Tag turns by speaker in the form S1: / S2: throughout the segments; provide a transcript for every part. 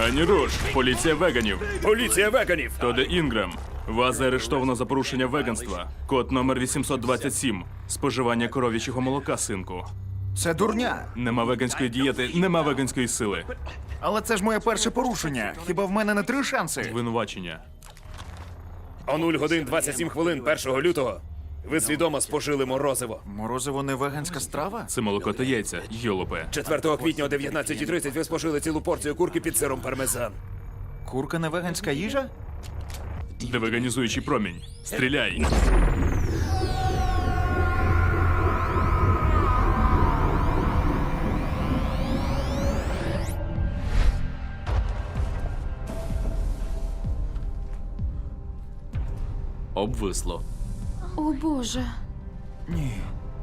S1: Ані руш, поліція веганів.
S2: Поліція веганів!
S1: Тоде Інгрем. Вас заарештовано за порушення веганства. Код номер 827. Споживання коров'ячого молока, синку.
S3: Це дурня.
S1: Нема веганської дієти, нема веганської сили.
S3: Але це ж моє перше порушення. Хіба в мене не 3 шанси?
S1: Винувачення.
S2: О 0 годин 27 хвилин 1 лютого ви свідомо спожили морозиво.
S3: Морозиво не веганська страва?
S1: Це молоко та яйця, йолопе.
S2: 4 квітня о 19:30 ви спожили цілу порцію курки під сиром пармезан.
S3: Курка не веганська їжа?
S1: Девеганізуючий промінь. Стріляй.
S4: Обвисло.
S5: О, Боже.
S3: Ні.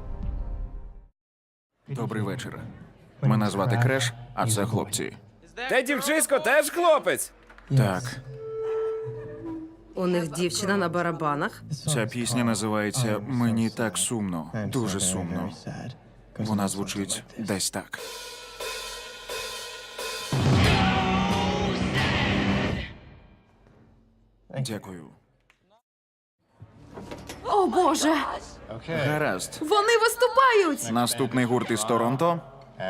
S3: Добрий вечір. Мене звати Креш, а це хлопці.
S2: Те дівчисько теж хлопець.
S3: Так,
S6: У них дівчина на барабанах.
S3: ця пісня називається «Мені так сумно». Дуже сумно. Вона звучить десь так. Дякую.
S5: О, Боже.
S3: Гаразд.
S5: Вони виступають.
S3: Наступний гурт із Торонто.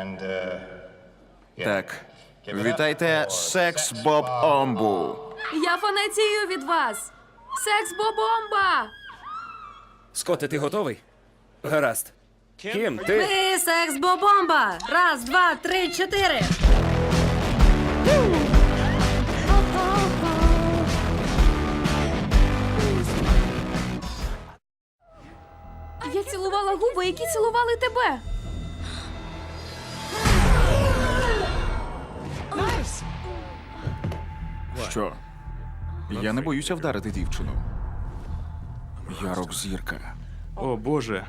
S3: Так. Вітайте Секс Боб Омбу.
S5: Я фанатію від вас. Секс-бобомба.
S2: Скотте, ти готовий? Гаразд. Кім, ти?
S6: Ми секс-бобомба! Раз, два, три, чотири!
S5: Я цілувала губи, які цілували тебе.
S3: Що? Я не боюся вдарити дівчину. Я рок-зірка.
S1: О, Боже.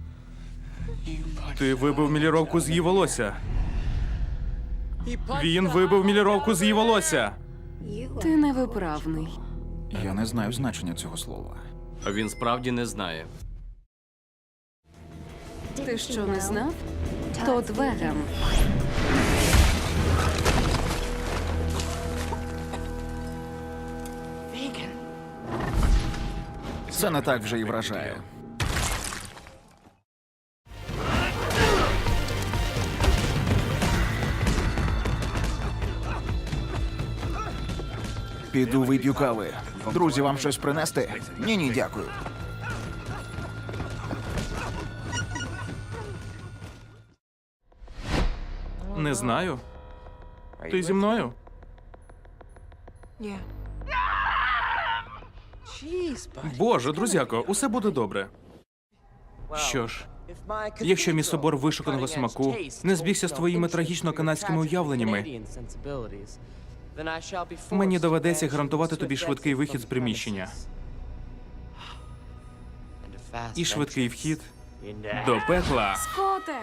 S1: Ти вибив міліровку з її волосся. Він вибив міліровку з її волосся.
S5: Ти невиправний.
S3: Я не знаю значення цього слова.
S4: А він справді не знає.
S5: Ти що, не знав? Тот веган.
S3: Це не так вже і вражає. Піду вип'ю кави. Друзі, вам щось принести? Ні, дякую.
S1: Не знаю. Ти зі мною? Боже, друзяко, усе буде добре. Що ж, якщо мій собор вишуканого смаку не збігся з твоїми трагічно-канадськими уявленнями, мені доведеться гарантувати тобі швидкий вихід з приміщення. І швидкий вхід до пекла.
S5: Скоте!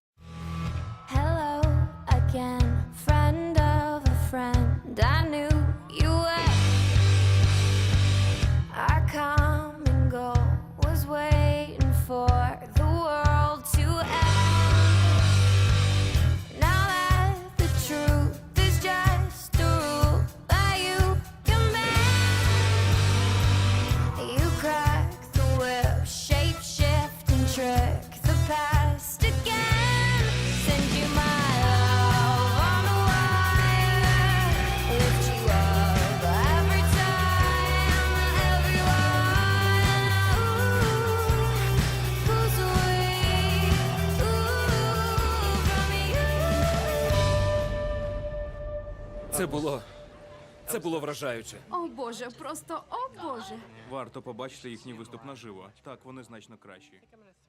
S7: Hello again, friend of a friend. I knew you were. Our common goal was waiting for the world to end. Now that the truth is just a rule that you can bend, you crack the whip, shape shift and trick the past again. Send you my love on the wire, lift you up every time, everyone pulls away from you.
S2: Це було вражаюче.
S5: О, Боже, просто о, Боже.
S1: Варто побачити їхній виступ наживо. Так, вони значно кращі.